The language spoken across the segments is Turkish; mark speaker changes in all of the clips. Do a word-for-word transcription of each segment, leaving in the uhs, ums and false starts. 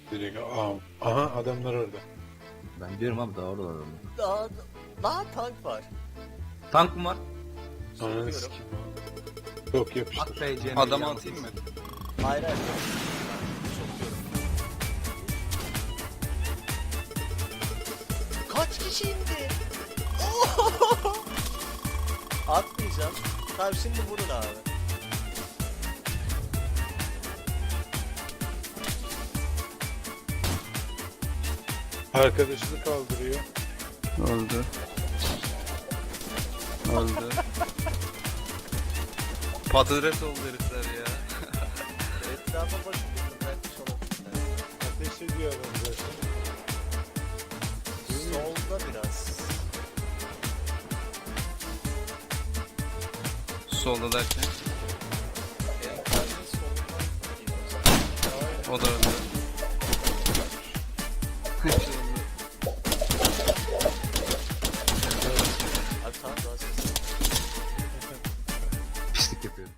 Speaker 1: Direkt aa, aha adamlar orada.
Speaker 2: Ben diyorum abi daha oralar orada.
Speaker 3: Daha, daha tank var.
Speaker 2: Tank mı var?
Speaker 1: Ananı
Speaker 3: Sokuyorum.
Speaker 1: sikeyim abi. Yok
Speaker 2: At
Speaker 1: yapıştır.
Speaker 2: be Cem.
Speaker 4: Adamı atayım mı?
Speaker 3: Hayır hayır. Sokuyorum. Kaç kişi indi? Atmayacağım. Tamam şimdi vurun abi.
Speaker 1: Arkadaşını kaldırıyor.
Speaker 4: Öldü. Öldü. Patates oldu herifler ya.
Speaker 3: Etrafa bakın. Bırakmış olabilirler.
Speaker 1: Ateş ediyor adam zaten.
Speaker 3: Solda biraz.
Speaker 4: Solda derken.
Speaker 3: En fazla solundan.
Speaker 4: O da öldü. Hepsi öldü.
Speaker 3: Abi tamam daha ses.
Speaker 2: Pislik yapıyorum.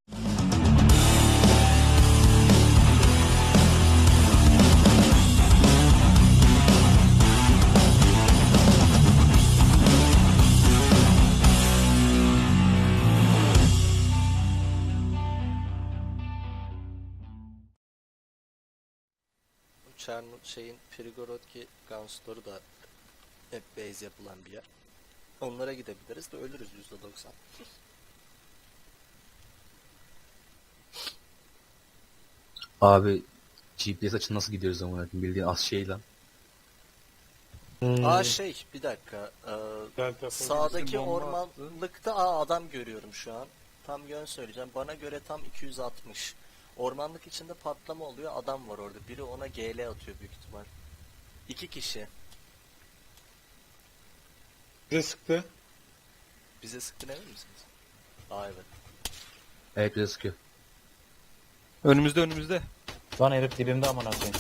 Speaker 3: Çerno şeyin Prigorodki Gunstore'u da hep base yapılan bir yer. Onlara gidebiliriz de ölürüz yüzde doksan.
Speaker 2: Abi G P S açın nasıl gidiyoruz ama bildiğin az şey lan.
Speaker 1: Hmm.
Speaker 3: Aa şey bir dakika. Ee,
Speaker 1: Delta
Speaker 3: sağdaki
Speaker 4: bomba
Speaker 3: ormanlıkta aa adam görüyorum şu an. Tam yön söyleyeceğim. Bana göre tam iki yüz altmış. Ormanlık içinde patlama oluyor. Adam var orada. Biri ona G L atıyor büyük ihtimal. İki kişi.
Speaker 1: bize sıktı.
Speaker 3: Bize sıktın emin misiniz? Aa evet.
Speaker 2: Evet bize sıkıyor.
Speaker 4: Önümüzde önümüzde.
Speaker 5: Lan herif dibimde aman koyayım.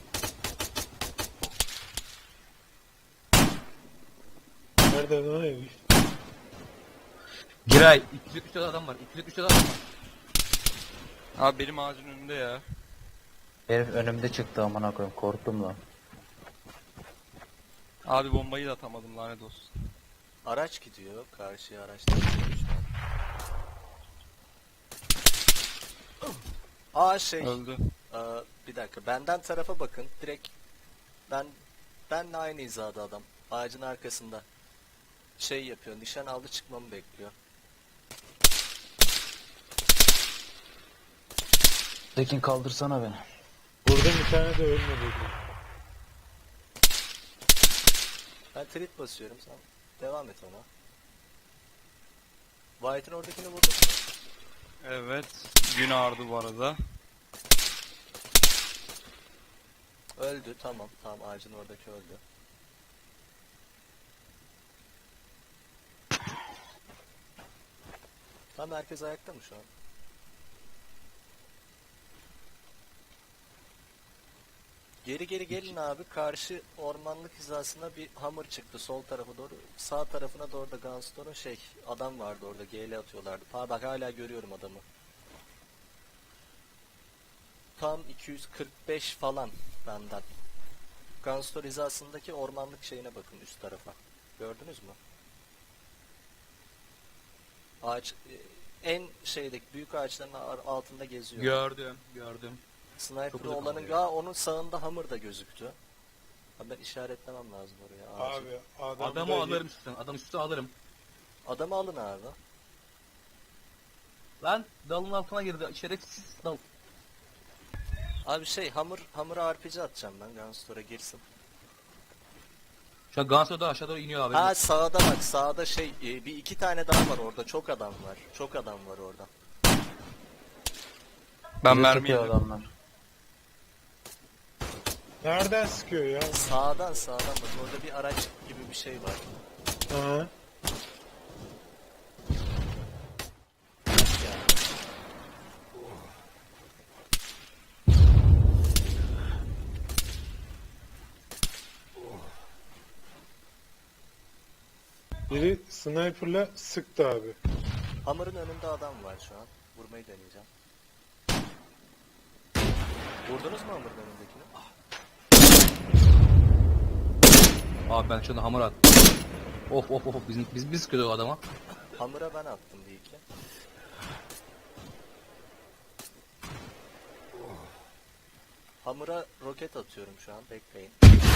Speaker 1: Nerede lan herif?
Speaker 2: Giray iki yüz yetmiş adam var. iki yüz yetmiş adam var.
Speaker 4: Abi benim ağacın önünde ya.
Speaker 5: Herif önümde çıktı aman koyayım. Korktum lan.
Speaker 4: Abi bombayı da atamadım lanet olsun.
Speaker 3: Araç gidiyor. Karşıya araçlar gidiyor şu an. Aa şey.
Speaker 4: Öldü.
Speaker 3: Ee, bir dakika. Benden tarafa bakın. Direkt ben benle aynı hizada adam. Ağacın arkasında. Şey yapıyor. Nişan aldı çıkmamı bekliyor.
Speaker 5: Tekin kaldırsana beni.
Speaker 1: Burada bir tane de ölmedi.
Speaker 3: Ben trit basıyorum. Sen devam et ona. White'ın oradakini vurduk mu?
Speaker 4: Evet. Gün ağrıdı bu arada.
Speaker 3: Öldü. Tamam. Tamam. Ağacın oradaki öldü. Tam herkes ayakta mı şu an? Geri geri gelin abi. Karşı ormanlık hizasına bir hammer çıktı sol tarafa doğru. Sağ tarafına doğru da Gunstone'un şey adam vardı orada. G L atıyorlardı. Ha bak hala görüyorum adamı. Tam iki yüz kırk beş falan benden. Gunstone hizasındaki ormanlık şeyine bakın üst tarafa. Gördünüz mü? Ağaç en şeydeki büyük ağaçların ar- altında geziyor.
Speaker 2: Gördüm gördüm.
Speaker 3: Sniper
Speaker 2: Çok uzak
Speaker 3: olanın
Speaker 2: ama
Speaker 3: ya onun sağında hammer da gözüktü. Ha ben işaretlemem lazım oraya. Ağacı.
Speaker 1: Abi adam
Speaker 2: Adamı
Speaker 1: da-
Speaker 2: alırım üstten. Adam üstü alırım.
Speaker 3: Adamı alın abi.
Speaker 2: Lan dalın altına girdi. Şerefsiz dal.
Speaker 3: Abi şey hammer hammer'a R P G atacağım ben Gunstore'a girsin.
Speaker 2: Şu an Ganso'da aşağı doğru iniyor abi.
Speaker 3: Ha sağda bak sağda şey e, bir iki tane daha var orada çok adam var. Çok adam var orada.
Speaker 4: Ben
Speaker 5: Bize
Speaker 4: mermi
Speaker 5: sıkıyor
Speaker 4: yedim.
Speaker 5: adamlar.
Speaker 1: Nereden sıkıyor ya?
Speaker 3: Sağdan sağdan bak orada bir araç gibi bir şey var.
Speaker 1: Aha. Biri sniper'la sıktı abi.
Speaker 3: Hammer'ın önünde adam var şu an. Vurmayı deneyeceğim. Vurdunuz mu Hammer'ın önündekini?
Speaker 2: Abi ben şuna hamur attım. Of of of biz biz biz sıkıyorduk o adama.
Speaker 3: Hamura ben attım bir iki. Hamura roket atıyorum şu an. Bekleyin.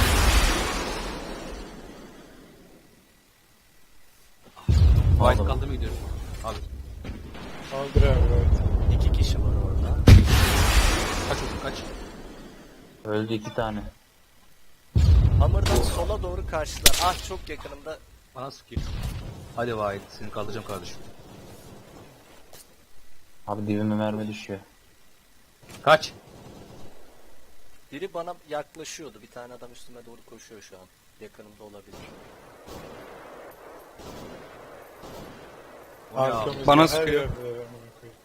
Speaker 2: White kaldırmaya gidiyorum. Abi
Speaker 1: Kaldır abi. Evet.
Speaker 3: İki kişi var orada.
Speaker 2: kaç olsun kaç.
Speaker 5: Öldü iki tane.
Speaker 3: Hamurdan sola doğru karşılar. Ah çok yakınımda.
Speaker 2: Bana sıkıyor. Hadi White seni kaldıracağım kardeşim.
Speaker 5: Abi dibime mermi düşüyor.
Speaker 2: Kaç.
Speaker 3: Biri bana yaklaşıyordu. Bir tane adam üstüme doğru koşuyor şu an. Yakınımda olabilir.
Speaker 2: O ne abi?
Speaker 1: Arkamızda
Speaker 4: Bana
Speaker 1: her
Speaker 4: sıkıyor.
Speaker 1: yerdeler amına koyayım.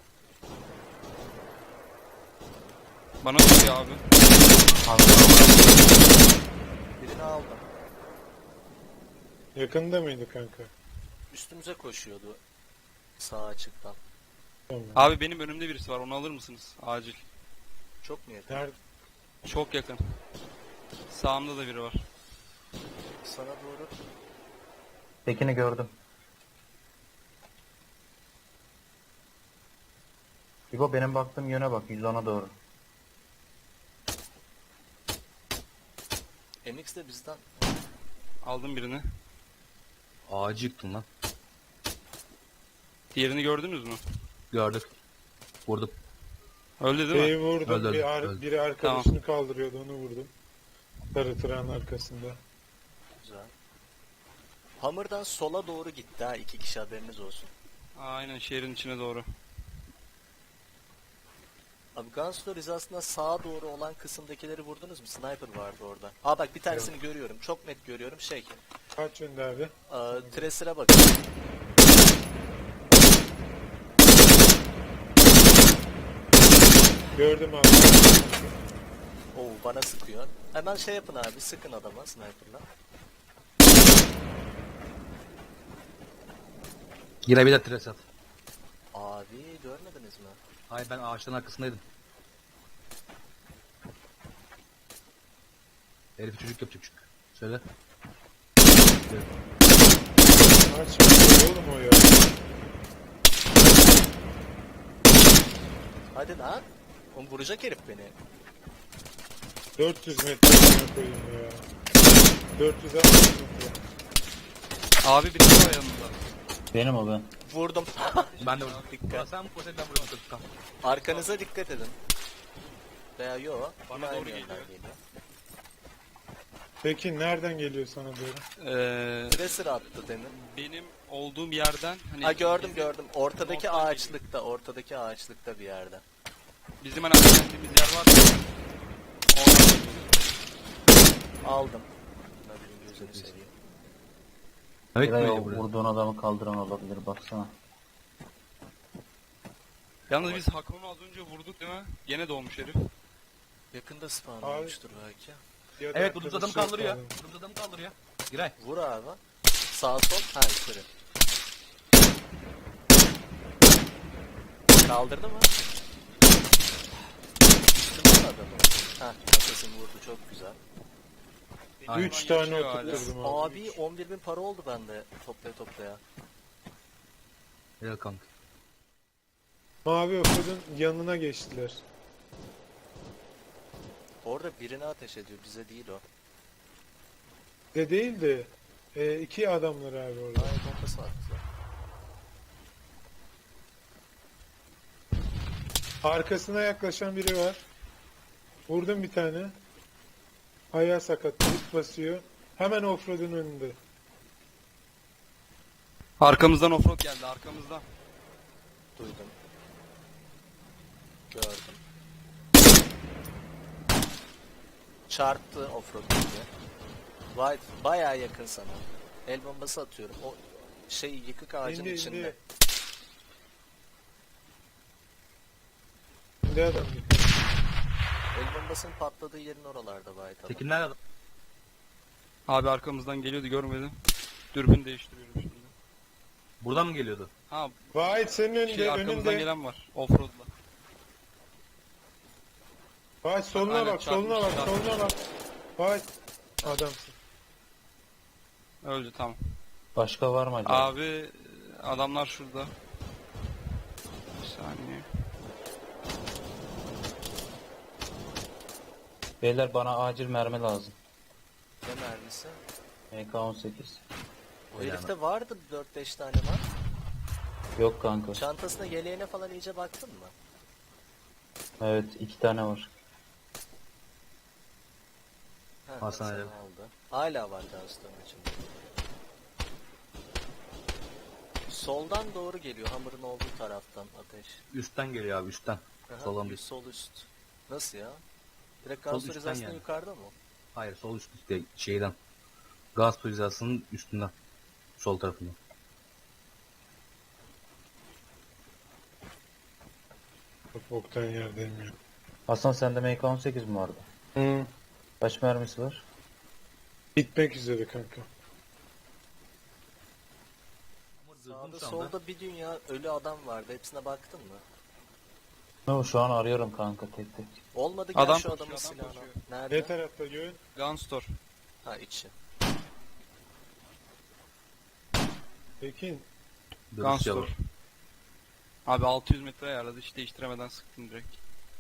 Speaker 4: Bana sıkıyor abi.
Speaker 3: Birini aldım.
Speaker 1: Yakında mıydı kanka?
Speaker 3: Üstümüze koşuyordu. Sağ açıktan.
Speaker 1: Tamam.
Speaker 4: Abi benim önümde birisi var, onu alır mısınız? Acil.
Speaker 3: Çok mu yakın?
Speaker 1: Nerede?
Speaker 4: Çok yakın. Sağımda da biri var.
Speaker 3: Sana doğru.
Speaker 5: Tekini gördüm. İbo benim baktığım yöne bak. yüz ona doğru.
Speaker 3: M X de bizden.
Speaker 4: Aldım birini.
Speaker 2: Ağacı yıktın lan.
Speaker 4: Diğerini gördünüz mü?
Speaker 2: Gördük. Vurdum.
Speaker 4: Öldü değil mi?
Speaker 1: Şeyi vurdum.
Speaker 2: Öldü,
Speaker 1: bir ar-
Speaker 2: öldü.
Speaker 1: biri arkadaşını kaldırıyordu, onu vurdum. Sarı tırağın arkasında.
Speaker 3: Güzel. Hamurdan sola doğru gitti ha. İki kişi haberiniz olsun.
Speaker 4: Aynen şehrin içine doğru.
Speaker 3: Abi Gun Stories aslında sağa doğru olan kısımdakileri vurdunuz mu? Sniper vardı orada. Aa bak bir tanesini görüyorum. Çok net görüyorum. Şey.
Speaker 1: Kaç yönde abi?
Speaker 3: E, Tracer'a bakın.
Speaker 1: Gördüm abi.
Speaker 3: Oo bana sıkıyor. Hemen şey yapın abi. Sıkın adama sniper'la.
Speaker 2: Yine bir de tres at.
Speaker 3: Abi görmediniz mi?
Speaker 2: Hayır ben ağaçların arkasındaydım. Herif çocuk yapacak çünkü. Söyle.
Speaker 1: Kaç yönde oğlum o ya?
Speaker 3: Hadi lan. Oğlum vuracak herif beni.
Speaker 1: dört yüz metre amına koyayım ya. dört yüz altmış metre.
Speaker 4: Abi birisi var yanımda.
Speaker 5: Benim o ben.
Speaker 3: Vurdum.
Speaker 2: Ben de vurdum.
Speaker 3: Dikkat.
Speaker 2: Sen bu posetten vurdum. Tamam.
Speaker 3: Arkanıza dikkat edin. Veya yo.
Speaker 4: Bana
Speaker 3: yine aynı
Speaker 4: doğru
Speaker 3: yönden
Speaker 4: geliyor.
Speaker 3: geliyor.
Speaker 1: Peki nereden geliyor sana doğru?
Speaker 4: Ee,
Speaker 3: Tracer attı demin.
Speaker 4: benim olduğum yerden hani
Speaker 3: Ha gördüm
Speaker 4: bizim-
Speaker 3: gördüm. Ortadaki
Speaker 4: Ortadan
Speaker 3: ağaçlıkta, ortadaki ağaçlıkta bir yerde.
Speaker 4: Bizim hani geldiğimiz yer var ya. Oradan geliyor.
Speaker 3: Aldım. Nadir'in gözünü seveyim.
Speaker 2: Evet
Speaker 5: Biraya
Speaker 2: böyle buraya.
Speaker 5: vurduğun adamı kaldıran olabilir baksana.
Speaker 4: Yalnız biz Hakan'ı az önce vurduk değil mi? Gene doğmuş herif.
Speaker 3: Yakında spawn
Speaker 1: Abi.
Speaker 3: olmuştur belki.
Speaker 1: Ya da
Speaker 2: Evet vurduğumuz adamı
Speaker 1: arkadaşı
Speaker 2: kaldırıyor.
Speaker 1: yok
Speaker 2: Vurduğumuz adamı kaldırıyor. Giray.
Speaker 3: Vur abi. Sağ sol, ha yukarı. Kaldırdı mı? Üstünde mi adamı? Ha, makasını vurdu çok güzel.
Speaker 4: Benim
Speaker 2: Aynen.
Speaker 1: Üç
Speaker 4: oradan
Speaker 1: tane
Speaker 4: yaşıyor hala.
Speaker 1: oturtturdum abi.
Speaker 3: Abi on bir bin para oldu bende toplaya toplaya.
Speaker 2: Gel kanka.
Speaker 1: Mavi okudun yanına geçtiler.
Speaker 3: Orada birine ateş ediyor, bize değil o.
Speaker 1: De değil de e, iki adamlar abi orada.
Speaker 3: Ay bombası attı.
Speaker 1: Arkasına yaklaşan biri var. Vurdum bir tane. Ayağı sakat. Dik basıyor. Hemen offroad'un önünde.
Speaker 4: Arkamızdan offroad geldi arkamızdan.
Speaker 3: Duydum. Gördüm. Çarptı offroad diye. White bayağı yakın sana. El bombası atıyorum. O şey yıkık ağacın
Speaker 1: İndi,
Speaker 3: içinde.
Speaker 1: indi. İndi adam.
Speaker 3: El bombasının patladığı yerin oralarda White adam.
Speaker 2: Tekin nerede?
Speaker 4: Abi arkamızdan geliyordu görmedim. Dürbün değiştiriyorum şimdi.
Speaker 2: Buradan mı geliyordu?
Speaker 4: Ha
Speaker 1: Vahit senin önünde,
Speaker 4: şey arkamızdan
Speaker 1: önünde.
Speaker 4: gelen var. Offroad'la.
Speaker 1: Vahit soluna
Speaker 4: Aynen,
Speaker 1: bak, soluna bak,
Speaker 4: çarpmış,
Speaker 1: soluna bak. Vahit adamsın.
Speaker 4: Öldü tamam.
Speaker 5: Başka var mı acaba?
Speaker 4: Abi adamlar şurada. Bir saniye.
Speaker 5: Beyler bana acil mermi lazım.
Speaker 3: Ne mermisi?
Speaker 5: M K on sekiz.
Speaker 3: O herifte vardı dört beş tane var.
Speaker 5: Yok kanka.
Speaker 3: Çantasına, yeleğine falan iyice baktın mı?
Speaker 5: Evet iki tane var.
Speaker 3: Ha,
Speaker 2: Hasan
Speaker 3: sen
Speaker 2: öyle.
Speaker 3: aldı. Hala var Gunstor'un içinde. Soldan doğru geliyor, hamurun olduğu taraftan ateş.
Speaker 2: Üstten geliyor abi üstten.
Speaker 3: Aha,
Speaker 2: Soldan
Speaker 3: bir
Speaker 2: değil.
Speaker 3: sol üst. Nasıl ya? Direkt
Speaker 2: Sol
Speaker 3: Gunstor
Speaker 2: üstten
Speaker 3: hizasından
Speaker 2: yani.
Speaker 3: yukarıda mı?
Speaker 2: Hayır sol üst üstte şeyden. Gaz hizasının üstünden. Sol tarafından.
Speaker 1: Çok boktan yerdeyim ya.
Speaker 5: Hasan sende M K on sekiz mi vardı?
Speaker 1: Hı.
Speaker 5: Kaç mermisi var?
Speaker 1: Bitmek üzere kanka.
Speaker 3: Sağda solda bir dünya ölü adam vardı. Hepsine baktın mı?
Speaker 5: No, şu an arıyorum kanka tek tek.
Speaker 3: Olmadı, gel
Speaker 4: Adam
Speaker 3: şu adamın
Speaker 4: koşuyor, adam
Speaker 3: silahına.
Speaker 4: koşuyor.
Speaker 3: Nerede?
Speaker 1: Ne tarafta göğün?
Speaker 4: Gunstor.
Speaker 3: Ha, içi.
Speaker 1: Tekin.
Speaker 4: Gunstor. Abi altı yüz metre ayarladı, hiç değiştiremeden sıktım direkt.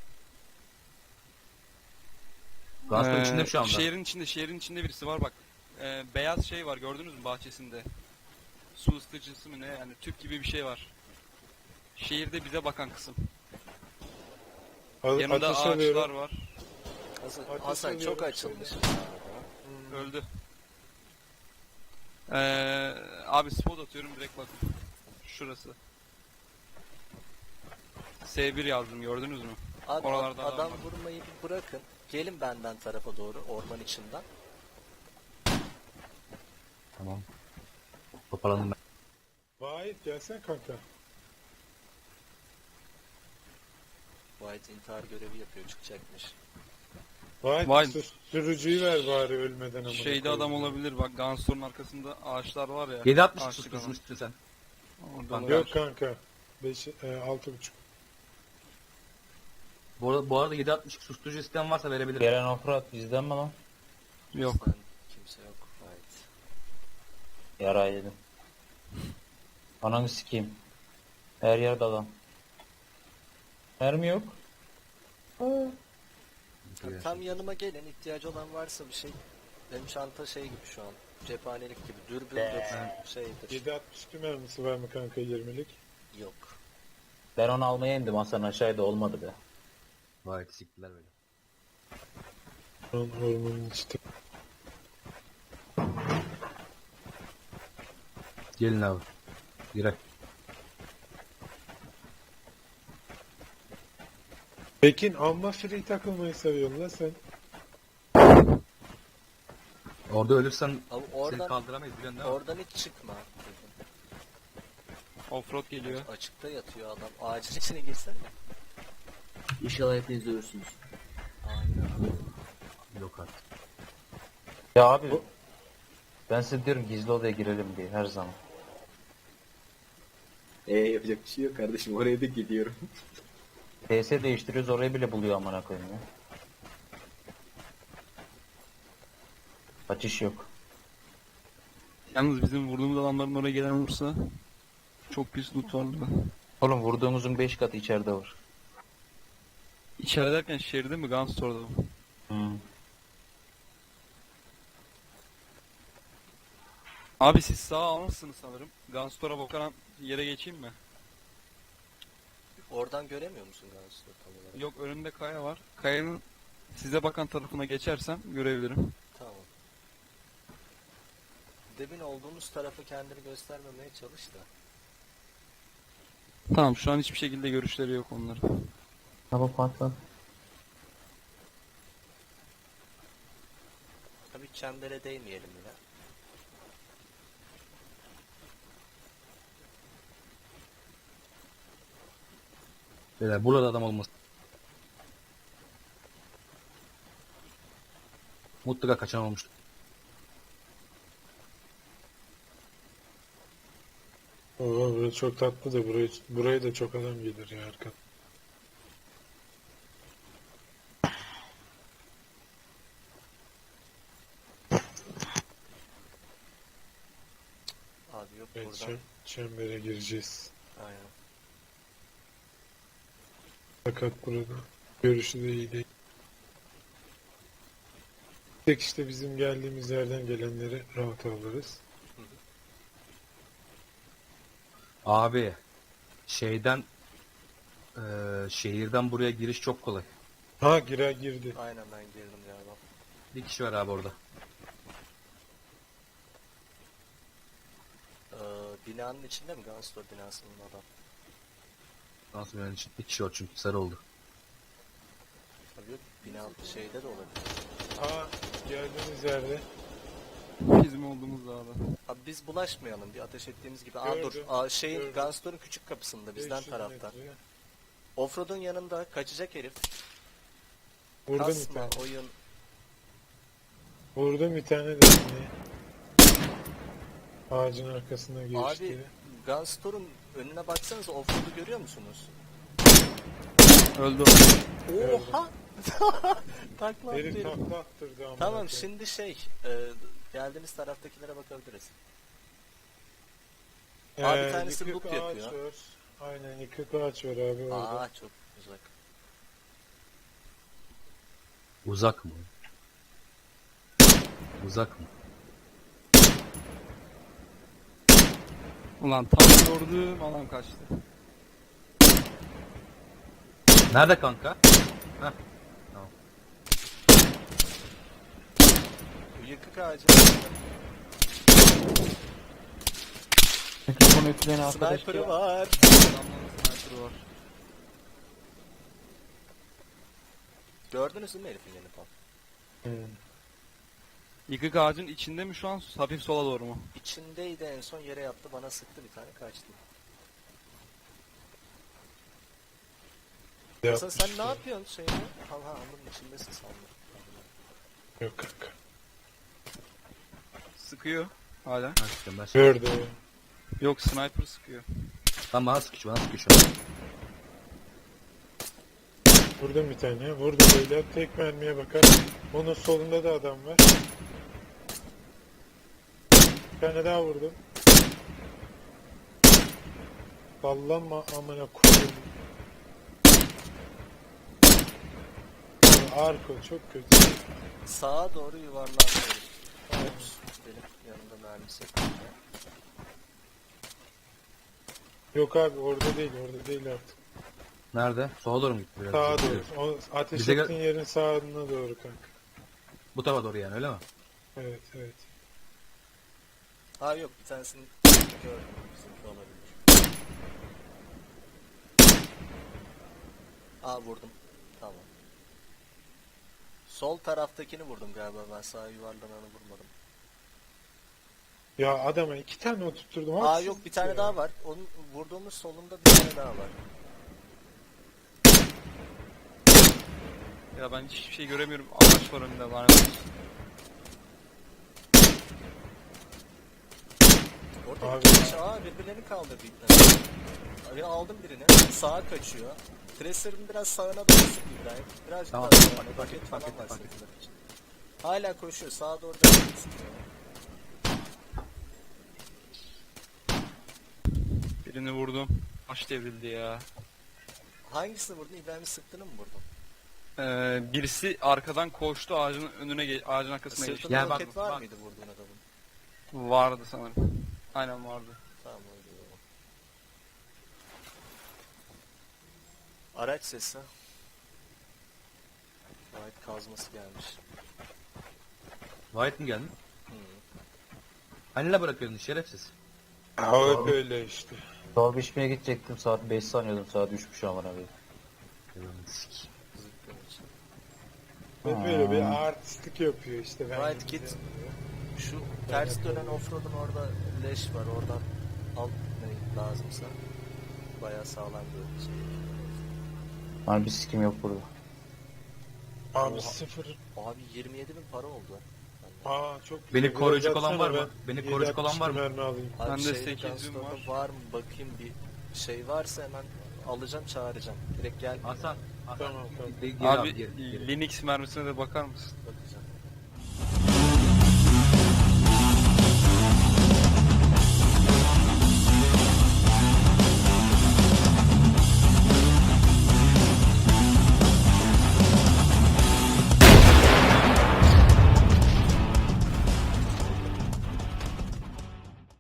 Speaker 2: Gazprom
Speaker 4: Ee,
Speaker 2: içinde şu anda.
Speaker 4: Şehrin içinde, şehrin içinde birisi var bak. Ee, beyaz şey var, gördünüz mü bahçesinde? Su ısıtıcısı mı ne, yani tüp gibi bir şey var. Şehirde bize bakan kısım.
Speaker 1: Al,
Speaker 4: Yanında
Speaker 1: ateş
Speaker 4: ağaçlar
Speaker 1: alıyorum.
Speaker 4: var.
Speaker 3: Hasan,
Speaker 1: Ateş
Speaker 3: Hasan
Speaker 1: alıyorum,
Speaker 3: çok açılmış.
Speaker 4: Öldü. Ee, abi spot atıyorum direkt bak. Şurası. S bir yazdım, gördünüz mü?
Speaker 3: Abi
Speaker 4: Oralarda adam
Speaker 3: adam
Speaker 4: var.
Speaker 3: vurmayı bir bırakın. Gelin benden tarafa doğru, orman içinden.
Speaker 2: Tamam. Toparlandım ben.
Speaker 1: Vahit gelsen kanka.
Speaker 3: White intihar görevi yapıyor, çıkacakmış.
Speaker 1: Vahit
Speaker 4: Vahit.
Speaker 1: sus- sürücüyü ver bari ölmeden ama.
Speaker 4: Şeyde adam olabilir bak, Gunstor'un arkasında ağaçlar var ya.
Speaker 2: yedi altmış
Speaker 4: ağaçlık alan.
Speaker 2: tutmuştun sen.
Speaker 4: Orada
Speaker 2: Kanka.
Speaker 4: olabilir.
Speaker 1: Yok kanka. beş, e, altı buçuk.
Speaker 2: Bu arada, bu arada yedi altmış susturucu isteyen varsa verebilirim.
Speaker 5: Gelen ofrat bizden mi lan?
Speaker 4: Yok.
Speaker 3: Bizden kimse yok. White.
Speaker 5: Yara yedim. Ananı sikeyim. Her yerde adam. Mermi yok.
Speaker 3: Tam yanıma gelin, ihtiyacı olan varsa bir şey. Benim çanta şey gibi şu an. Cephanelik gibi. Dürbündür, şeydir.
Speaker 1: yedi altmış iki mermisi var mı kanka yirmilik?
Speaker 3: Yok.
Speaker 5: Ben onu almaya indim Hasan aşağıda olmadı be.
Speaker 2: Vay siktiler böyle.
Speaker 1: Lan ormanın işte.
Speaker 2: Gelin abi. Girer.
Speaker 1: Tekin amma free takılmayı seviyorsun lan sen.
Speaker 2: Orada ölürsen
Speaker 3: Abi
Speaker 2: seni
Speaker 3: oradan,
Speaker 2: kaldıramayız biliyorsun değil mi?
Speaker 3: oradan hiç çıkma. dedim.
Speaker 4: Offroad geliyor.
Speaker 3: Açıkta yatıyor adam. Ağacın içine girsene.
Speaker 6: İnşallah hepiniz ölürsünüz.
Speaker 3: Aynen.
Speaker 2: Yok artık.
Speaker 5: Ya abi ben size diyorum gizli odaya girelim diye her zaman.
Speaker 6: Ee yapacak bir şey yok kardeşim, oraya da gidiyorum.
Speaker 5: P S değiştiriyoruz orayı bile buluyor amına koyayım ya. Kaçış yok.
Speaker 4: Yalnız bizim vurduğumuz adamların oraya gelen olursa çok pis loot var burada.
Speaker 5: Oğlum vurduğumuzun beş katı içeride var.
Speaker 4: İçeride derken şehirde mi, Gunstor'da mı?
Speaker 5: Hmm.
Speaker 4: Abi siz sağa almışsınız sanırım. Gunstor'a bakan yere geçeyim mi?
Speaker 3: Oradan göremiyor musun Gunstor tam olarak?
Speaker 4: Yok, önümde kaya var. Kayanın size bakan tarafına geçersem görebilirim.
Speaker 3: Tamam. Demin olduğumuz tarafı kendini göstermemeye çalış da.
Speaker 4: Tamam, şu an hiçbir şekilde görüşleri yok onların.
Speaker 5: Hava patladı.
Speaker 3: Tabii çembere değmeyelim yine.
Speaker 2: Beyler burada adam olmasın. Mutlaka kaçan olmuştur.
Speaker 1: Oo, burası çok tatlı da buraya, buraya da çok adam gelir ya arkadan.
Speaker 3: yok
Speaker 1: Evet,
Speaker 3: burada.
Speaker 1: çem- çembere gireceğiz.
Speaker 3: Aynen.
Speaker 1: Fakat burada görüşü de iyi değil. Tek işte bizim geldiğimiz yerden gelenleri rahat alırız.
Speaker 2: Abi şeyden eee, şehirden buraya giriş çok kolay.
Speaker 1: Ha girer girdi.
Speaker 3: Aynen ben girdim galiba.
Speaker 2: Bir kişi var abi orada.
Speaker 3: Ee, binanın içinde mi? Gunstore binasının adam.
Speaker 2: Nasıl benim için? Bir kişi var çünkü sarı oldu.
Speaker 3: Tabii yok. Bina şeyde de olabilir.
Speaker 1: Ha geldiğimiz yerde.
Speaker 4: Bizim olduğumuz dağda.
Speaker 3: Abi biz bulaşmayalım. Bir ateş ettiğimiz gibi. Aa dur.
Speaker 1: Gördüm,
Speaker 3: Aa, şeyin
Speaker 1: gördüm.
Speaker 3: Gunstore'un küçük kapısında bizden
Speaker 1: beş yüz
Speaker 3: tarafta.
Speaker 1: metre.
Speaker 3: Offroad'un yanında kaçacak herif.
Speaker 1: Vurdum bir
Speaker 3: Kasma
Speaker 1: tane.
Speaker 3: oyun.
Speaker 1: Vurdum bir tane de. yine. Ağacın arkasına geçti.
Speaker 3: Abi Gunstore'un önüne baksanıza offroad'u görüyor musunuz?
Speaker 4: Öldü.
Speaker 3: Oha! Takla
Speaker 1: Herif
Speaker 3: attı herif.
Speaker 1: takla attırdı ama.
Speaker 3: Tamam şimdi şey e, geldiğiniz taraftakilere bakabiliriz. Abi bir tanesi
Speaker 1: yıkık
Speaker 3: loop
Speaker 1: ağaç
Speaker 3: yapıyor.
Speaker 1: var. Aynen yıkık ağaç var abi orada.
Speaker 3: Aa çok uzak.
Speaker 2: Uzak mı? Uzak mı?
Speaker 4: Ulan tam gördüm adam kaçtı.
Speaker 2: Nerede kanka? Heh.
Speaker 3: Bu yıkık ağacı.
Speaker 5: Mikrofonu ütüleyen arkadaş
Speaker 3: Sniper'ı
Speaker 5: ya.
Speaker 3: var.
Speaker 4: Adamların sniper'ı var.
Speaker 3: Gördünüz mü herifin yeni falan?
Speaker 1: Hmm.
Speaker 4: Yıkık ağacın içinde mi şu an? Hafif sola doğru mu?
Speaker 3: İçindeydi en son yere yattı bana sıktı bir tane kaçtı. Hasan sen
Speaker 1: Yapmış
Speaker 3: ne
Speaker 1: ya.
Speaker 3: yapıyorsun şeyini? Ha ha onun içindesin sandım.
Speaker 1: Yok kanka.
Speaker 4: Sıkıyor. Hala.
Speaker 2: Ha, işte ben
Speaker 1: Gördü.
Speaker 4: Yok sniper sıkıyor.
Speaker 2: Lan bana sıkıyor, bana sıkıyor şu an.
Speaker 1: Vurdum bir tane. Vurdum böyle. Tek mermiye bakar. Onun solunda da adam var. Bir tane daha vurdum. Sallanma amına koyayım. Abi Arko çok kötü.
Speaker 3: Sağa doğru yuvarlandı herif. Ops, benim yanımda mermisi yok.
Speaker 1: Yok abi orada değil orada değil artık.
Speaker 2: Nerede? Sola doğru mu gitti biraz?
Speaker 1: Sağa doğru. O ateş
Speaker 2: Bize gel-
Speaker 1: ettiğin yerin sağına doğru kanka.
Speaker 2: Bu tarafa doğru yani öyle mi?
Speaker 1: Evet evet.
Speaker 3: Ha yok bir tanesini gördüm. Bizimki olabilir. Aa vurdum. Tamam. Sol taraftakini vurdum galiba ben sağa yuvarlananı vurmadım.
Speaker 1: Ya adama iki tane oturtturdum.
Speaker 3: Aa
Speaker 1: haksızlık
Speaker 3: yok bir tane
Speaker 1: ya.
Speaker 3: daha var. Onun vurduğumuz solunda bir tane daha var.
Speaker 4: Ya ben hiçbir şey göremiyorum. Ağaç var önünde lanet olsun.
Speaker 3: Orada
Speaker 1: Abi
Speaker 3: iki
Speaker 1: ya.
Speaker 3: kişi aa birbirlerini kaldırdı ipten. Abi aldım birini. Sağa kaçıyor. Tracer'ın biraz sağına doğru sık İbrahim. Birazcık
Speaker 2: Tamam,
Speaker 3: daha
Speaker 2: fark
Speaker 3: sağına.
Speaker 2: ettim,
Speaker 3: Paket
Speaker 2: fark
Speaker 3: falan
Speaker 2: ettim,
Speaker 3: var
Speaker 2: fark
Speaker 3: sıkıntı için. Hala koşuyor. Sağa doğru da sıkıyor.
Speaker 4: Birini vurdum. Baş devrildi ya.
Speaker 3: Hangisini vurdun? İbrahim'i sıktığını mı vurdun?
Speaker 4: Ee, birisi arkadan koştu ağacın önüne ge- ağacın arkasına geçti.
Speaker 3: Sırtında
Speaker 2: Ya bak,
Speaker 3: roket var
Speaker 2: bak.
Speaker 3: mıydı vurduğun adamın?
Speaker 4: Vardı sanırım. Aynen vardı.
Speaker 3: Tamam öyle o. Araç sesi. White kazması gelmiş.
Speaker 2: White mi geldi?
Speaker 3: Hı.
Speaker 2: Hani ne bırakıyordun şerefsiz?
Speaker 1: Ha hep öyle işte.
Speaker 5: Çorba içmeye gidecektim saat beş sanıyordum saat üçmüş aman abi.
Speaker 3: Zıkkım için.
Speaker 1: Hep böyle bir artistlik yapıyor işte. Ben
Speaker 3: Right, git. Şu ters dönen offroad'un orada leş var. Oradan al ne lazımsa. Bayağı sağlam bir şey.
Speaker 5: Hani bir sikim yok burada.
Speaker 1: Abi
Speaker 3: Oha.
Speaker 1: sıfır.
Speaker 3: Abi yirmi yedi bin para oldu.
Speaker 1: Aa çok güzel.
Speaker 2: Beni
Speaker 1: Biraz
Speaker 2: koruyacak olan
Speaker 1: atsana
Speaker 2: var mı?
Speaker 1: ben
Speaker 2: Beni
Speaker 1: yedi
Speaker 2: koruyacak olan
Speaker 1: altmış
Speaker 2: var mı?
Speaker 1: mermi alayım.
Speaker 3: Abi
Speaker 4: Bende
Speaker 3: şeyde
Speaker 4: sekiz yüz
Speaker 3: Gunstore'da
Speaker 4: var.
Speaker 3: var mı bakayım bir şey varsa hemen alacağım çağıracağım. Direkt gel
Speaker 2: Hasan, Hasan.
Speaker 1: Tamam, tamam.
Speaker 2: Geri, geri al,
Speaker 4: Abi
Speaker 2: geri, geri.
Speaker 4: Linux mermisine de bakar mısın?
Speaker 3: bakacağım.